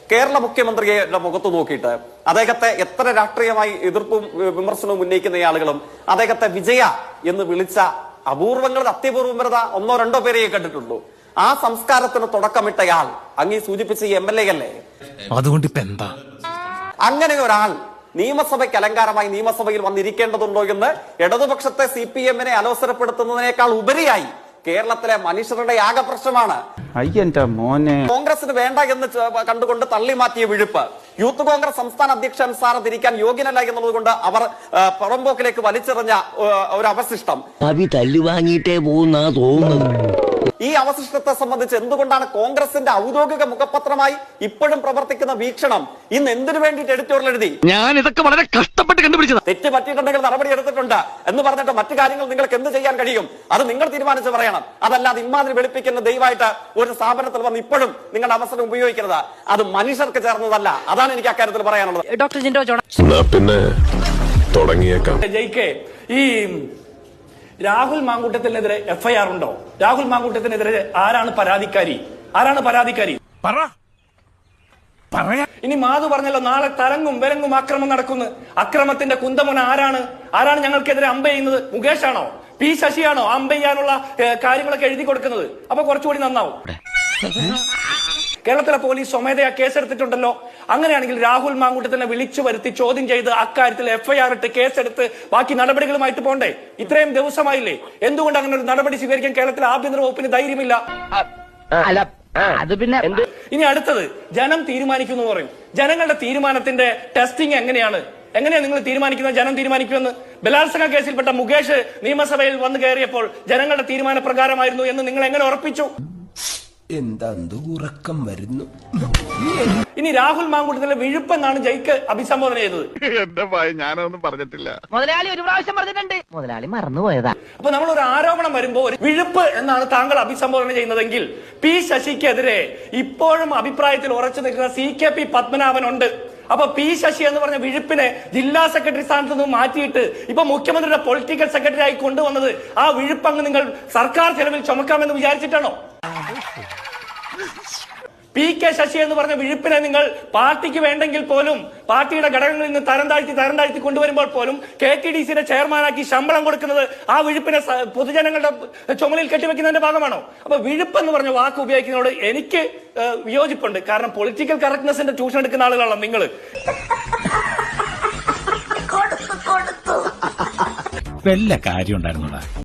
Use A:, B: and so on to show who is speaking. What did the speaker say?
A: കേരള മുഖ്യമന്ത്രിയുടെ മുഖത്ത് നോക്കിയിട്ട് അദ്ദേഹത്തെ എത്ര രാഷ്ട്രീയമായി എതിർപ്പും വിമർശനവും ഉന്നയിക്കുന്ന ആളുകളും അദ്ദേഹത്തെ വിജയ എന്ന് വിളിച്ച അപൂർവങ്ങളിൽ അത്യപൂർവം വരുന്ന ഒന്നോ രണ്ടോ പേരെയേ കണ്ടിട്ടുള്ളൂ. ആ സംസ്കാരത്തിന് തുടക്കമിട്ടയാൾ അങ്ങീ സൂചിപ്പിച്ച ഈ MLA അല്ലേ?
B: അതുകൊണ്ട് ഇപ്പൊ എന്താ?
A: അങ്ങനെ ഒരാൾ നിയമസഭയ്ക്ക് അലങ്കാരമായി നിയമസഭയിൽ വന്നിരിക്കേണ്ടതുണ്ടോ എന്ന് ഇടതുപക്ഷത്തെ CPM-നെ അലോസരപ്പെടുത്തുന്നതിനേക്കാൾ ഉപരിയായി കേരളത്തിലെ മനുഷ്യരുടെ ആകെ പ്രശ്നമാണ്. കോൺഗ്രസിന് വേണ്ട എന്ന് കണ്ടുകൊണ്ട് തള്ളി മാറ്റിയ വിഴുപ്പ്, യൂത്ത് കോൺഗ്രസ് സംസ്ഥാന അധ്യക്ഷൻ സ്ഥാനത്ത് ഇരിക്കാൻ യോഗ്യനല്ല എന്നുള്ളത് കൊണ്ട് അവർ പുറമ്പോക്കിലേക്ക് വലിച്ചെറിഞ്ഞ ഒരു അവശിഷ്ടം
C: തല്ലുവാങ്ങിയിട്ടേ പോകുന്ന തോന്നുന്നത്.
A: ഈ അവശിഷ്ടത്തെ സംബന്ധിച്ച് എന്തുകൊണ്ടാണ് കോൺഗ്രസിന്റെ ഔദ്യോഗിക മുഖപത്രമായി ഇപ്പോഴും പ്രവർത്തിക്കുന്ന വീക്ഷണം ഇന്ന് എന്തിനു വേണ്ടിയിട്ട് എഡിറ്റോറിയൽ എഴുതി?
B: ഞാൻ ഇതൊക്കെ വളരെ കഷ്ടപ്പെട്ട് കണ്ടുപിടിച്ചത്.
A: തെറ്റ് പറ്റിയിട്ടുണ്ടെങ്കിൽ നടപടി എടുത്തിട്ടുണ്ട് എന്ന് പറഞ്ഞിട്ട് മറ്റു കാര്യങ്ങൾ നിങ്ങൾക്ക് എന്ത് ചെയ്യാൻ കഴിയും? അത് നിങ്ങൾ തീരുമാനിച്ച് പറയണം. അതല്ലാതെ ഇമാതിരി വെളുപ്പിക്കുന്ന ദയവായിട്ട് ഒരു സ്ഥാപനത്തിൽ വന്ന് ഇപ്പോഴും നിങ്ങളുടെ അവസരം ഉപയോഗിക്കരുത്. അത് മനുഷ്യർക്ക് ചേർന്നതല്ല. അതാണ് എനിക്ക് അക്കാര്യത്തിൽ പറയാനുള്ളത്.
D: ഡോക്ടർ ജിൻഡോ ജോൺ
E: പിന്നെ തുടങ്ങിയേക്കാം.
F: ജയിക്കെ ഈ രാഹുൽ മാങ്കൂട്ടത്തിനെതിരെ FIR ഉണ്ടോ? രാഹുൽ മാങ്കൂട്ടത്തിനെതിരെ ആരാണ് പരാതിക്കാരി? ഇനി മാധു പറഞ്ഞല്ലോ നാളെ തരങ്ങും വിലങ്ങും ആക്രമം നടക്കുന്നു. അക്രമത്തിന്റെ കുന്തമുന ആരാണ് ഞങ്ങൾക്കെതിരെ അമ്പ ചെയ്യുന്നത്? മുകേഷ് ആണോ? P ശശിയാണോ അമ്പ ചെയ്യാനുള്ള കാര്യങ്ങളൊക്കെ എഴുതി കൊടുക്കുന്നത്? അപ്പൊ കുറച്ചുകൂടി നന്നാവും. കേരളത്തിലെ പോലീസ് സ്വമേധയാ കേസെടുത്തിട്ടുണ്ടല്ലോ. അങ്ങനെയാണെങ്കിൽ രാഹുൽ മാങ്കൂട്ടത്തിനെ വിളിച്ചു വരുത്തി ചോദ്യം ചെയ്ത് അക്കാര്യത്തിൽ FIR ഇട്ട് കേസെടുത്ത് ബാക്കി നടപടികളുമായിട്ട് പോണ്ടേ? ഇത്രയും ദിവസമായില്ലേ? എന്തുകൊണ്ട് അങ്ങനെ ഒരു നടപടി സ്വീകരിക്കാൻ കേരളത്തിലെ ആഭ്യന്തര വകുപ്പിന് ധൈര്യമില്ല? ഇനി അടുത്തത് ജനം തീരുമാനിക്കുന്നു പറയും. ജനങ്ങളുടെ തീരുമാനത്തിന്റെ ടെസ്റ്റിംഗ് എങ്ങനെയാണ് നിങ്ങൾ തീരുമാനിക്കുന്നത്? ജനം തീരുമാനിക്കുമെന്ന് ബലാത്സംഗ കേസിൽപ്പെട്ട മുകേഷ് നിയമസഭയിൽ വന്നു കയറിയപ്പോൾ ജനങ്ങളുടെ തീരുമാന പ്രകാരമായിരുന്നു എന്ന് നിങ്ങൾ എങ്ങനെ ഉറപ്പിച്ചു?
G: എന്താ ഉറക്കം വരുന്നു.
F: ഇനി രാഹുൽ മാങ്കൂട്ടത്തിലെ വിഴുപ്പെന്നാണ് ജയിക്ക് അഭിസംബോധന ചെയ്തത്.
E: എന്റെ ഭയ ഞാനൊന്നും പറഞ്ഞിട്ടില്ല.
D: മുതലാളി ഒരു പ്രാവശ്യം പറഞ്ഞിട്ടുണ്ട്, മുതലാളി മറന്നുപോയതാ.
F: അപ്പൊ നമ്മൾ ഒരു ആരോപണം വരുമ്പോ ഒരു വിഴുപ്പ് എന്നാണ് താങ്കൾ അഭിസംബോധന ചെയ്യുന്നതെങ്കിൽ P ശശിക്കെതിരെ ഇപ്പോഴും അഭിപ്രായത്തിൽ ഉറച്ചു നിൽക്കുന്ന CKP പത്മനാഭൻ ഉണ്ട്. അപ്പൊ P ശശി എന്ന് പറഞ്ഞ വിഴുപ്പിനെ ജില്ലാ സെക്രട്ടറി സ്ഥാനത്ത് നിന്ന് മാറ്റിയിട്ട് ഇപ്പൊ മുഖ്യമന്ത്രിയുടെ പൊളിറ്റിക്കൽ സെക്രട്ടറി ആയി കൊണ്ടുവന്നത് ആ വിഴുപ്പങ്ങ് നിങ്ങൾ സർക്കാർ ചെലവിൽ ചുമക്കാമെന്ന് വിചാരിച്ചിട്ടാണോ? PK ശശി എന്ന് പറഞ്ഞ വിഴുപ്പിനെ നിങ്ങൾ പാർട്ടിക്ക് വേണ്ടെങ്കിൽ പോലും പാർട്ടിയുടെ ഘടകങ്ങളിൽ നിന്ന് തരം താഴ്ത്തി കൊണ്ടുവരുമ്പോൾ പോലും KTDCയുടെ ചെയർമാനാക്കി ശമ്പളം കൊടുക്കുന്നത് ആ വിഴുപ്പിനെ പൊതുജനങ്ങളുടെ ചുമലിൽ കെട്ടിവെക്കുന്നതിന്റെ ഭാഗമാണോ? അപ്പൊ വിഴുപ്പ് എന്ന് പറഞ്ഞ വാക്ക് ഉപയോഗിക്കുന്നതോട് എനിക്ക് വിയോജിപ്പുണ്ട്. കാരണം പൊളിറ്റിക്കൽ കറക്റ്റ്നെസിന്റെ ട്യൂഷൻ എടുക്കുന്ന ആളുകളാണ് നിങ്ങൾ.
B: വല്ല കാര്യം ഉണ്ടായിരുന്നോടാ.